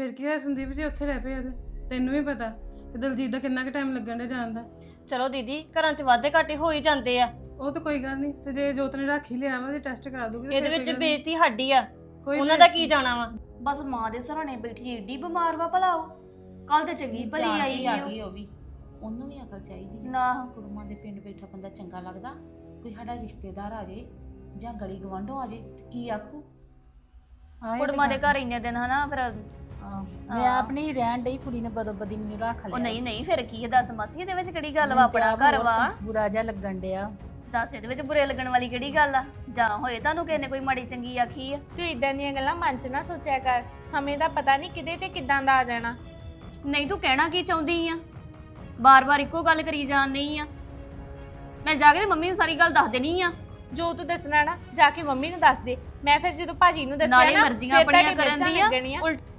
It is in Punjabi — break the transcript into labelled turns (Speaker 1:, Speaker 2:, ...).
Speaker 1: ਫਿਰ ਕੀ ਹੋਇਆ ਸੰਦੀਪ ਜੀ, ਉੱਥੇ ਰਹਿ ਪਿਆ ਤੇ ਤੈਨੂੰ ਵੀ ਪਤਾ ਤੇ ਦਲਜੀਤ ਦਾ ਕਿੰਨਾ ਕੁ ਟਾਈਮ ਲੱਗਣ ਦੇ ਜਾਣ ਦਾ।
Speaker 2: ਚਲੋ ਦੀਦੀ ਘਰਾਂ 'ਚ ਵਾਧੇ ਘਾਟੇ ਹੋ ਹੀ ਜਾਂਦੇ ਆ।
Speaker 1: ਉਹ ਤਾਂ ਕੋਈ ਗੱਲ ਨਹੀਂ, ਤੇ ਜੇ ਜੋਤ ਨੇ ਰੱਖ ਹੀ ਲਿਆ ਵਾ ਤੇ ਟੈਸਟ ਕਰਾ ਦੂਗੀ।
Speaker 2: ਇਹਦੇ ਵਿੱਚ ਬੇਇੱਜ਼ਤੀ ਸਾਡੀ ਆ, ਉਹਨਾਂ ਦਾ ਕੀ ਜਾਣਾ ਵਾ।
Speaker 3: ਬਸ ਮਾਂ ਦੇ ਸਰਾਣੇ ਬੈਠੀ ਏਡੀ ਬਿਮਾਰ ਵਾ ਭਲਾ ਉਹ ਕੱਲ ਤੇ ਚੰਗੀ ਭਲੀ ਆਈ
Speaker 4: ਆ ਗਈ ਉਹ ਵੀ, ਉਹਨੂੰ ਵੀ ਅਕਲ ਚਾਹੀਦੀ ਹੈ
Speaker 3: ਨਾ।
Speaker 4: ਕੁੜਮਾਂ ਦੇ ਪਿੰਡ ਬੈਠਾ ਬੰਦਾ ਚੰਗਾ ਲੱਗਦਾ, ਕੋਈ ਸਾਡਾ ਰਿਸ਼ਤੇਦਾਰ ਆ ਜੇ ਜਾਂ ਗਲੀ ਗਵਾਂਢੋਂ ਆ ਜੇ ਕੀ ਆਖੂ।
Speaker 3: ਕੁੜਮਾਂ ਦੇ ਘਰ ਇੰਨੇ ਦਿਨ ਹਨਾ ਫਿਰ
Speaker 5: ਮੈਂ ਆਪਣੀ ਰਹਿਣ ਡਈ, ਕੁੜੀ ਨੇ ਬਦੋ ਬਦੀ ਮੈਨੂੰ ਰੱਖ ਲਿਆ।
Speaker 3: ਉਹ ਨਹੀਂ ਫਿਰ ਕੀ ਹੈ ਦੱਸ ਮਾਸੀ, ਇਹਦੇ ਵਿੱਚ ਕਿਹੜੀ ਗੱਲ ਵਾ, ਆਪਣਾ ਘਰ ਵਾ।
Speaker 5: ਬੁਰਾ ਜਿਹਾ ਲੱਗਣ ਡਿਆ।
Speaker 3: ਦੱਸ ਇਹਦੇ ਵਿੱਚ ਬੁਰੇ ਲੱਗਣ ਵਾਲੀ ਕਿਹੜੀ ਗੱਲ ਆ, ਜਾਂ ਹੋਏ ਤੁਹਾਨੂੰ ਕਿਸੇ ਨੇ ਕੋਈ ਮਾੜੀ ਚੰਗੀ ਆਖੀ ਆ।
Speaker 6: ਤੂੰ ਇਦਾਂ ਦੀਆਂ ਗੱਲਾਂ ਮਨ 'ਚ ਨਾ ਸੋਚਿਆ ਕਰ, ਸਮੇਂ ਦਾ ਪਤਾ ਨਹੀਂ ਕਿਤੇ ਤੇ ਕਿਦਾਂ ਦਾ ਆ ਜਾਣਾ।
Speaker 3: ਨਹੀਂ ਤੂੰ ਕਹਿਣਾ ਕੀ ਚਾਹੁੰਦੀ ਆ, ਬਾਰ-ਬਾਰ ਇੱਕੋ ਗੱਲ ਕਰੀ ਜਾਣ ਨਹੀਂ ਆ। ਮੈਂ ਜਾ ਕੇ ਤੇ ਮੰਮੀ ਨੂੰ ਸਾਰੀ ਗੱਲ ਦੱਸ ਦੇਣੀ ਆ।
Speaker 6: ਜੋ ਤੂੰ ਦੱਸਣਾ ਨਾ ਜਾ ਕੇ ਮੰਮੀ ਨੂੰ ਦੱਸ ਦੇ। ਮੈਂ ਫਿਰ ਜਦੋਂ ਭਾਜੀ ਨੂੰ ਦੱਸਿਆ
Speaker 3: ਨਾਲੇ
Speaker 6: ਨਾ
Speaker 3: ਮਰਜ਼ੀਆਂ ਆਪਣੀਆਂ ਕਰਨ
Speaker 6: ਲੱਗਣੀਆਂ।
Speaker 3: ਦੀਆਂ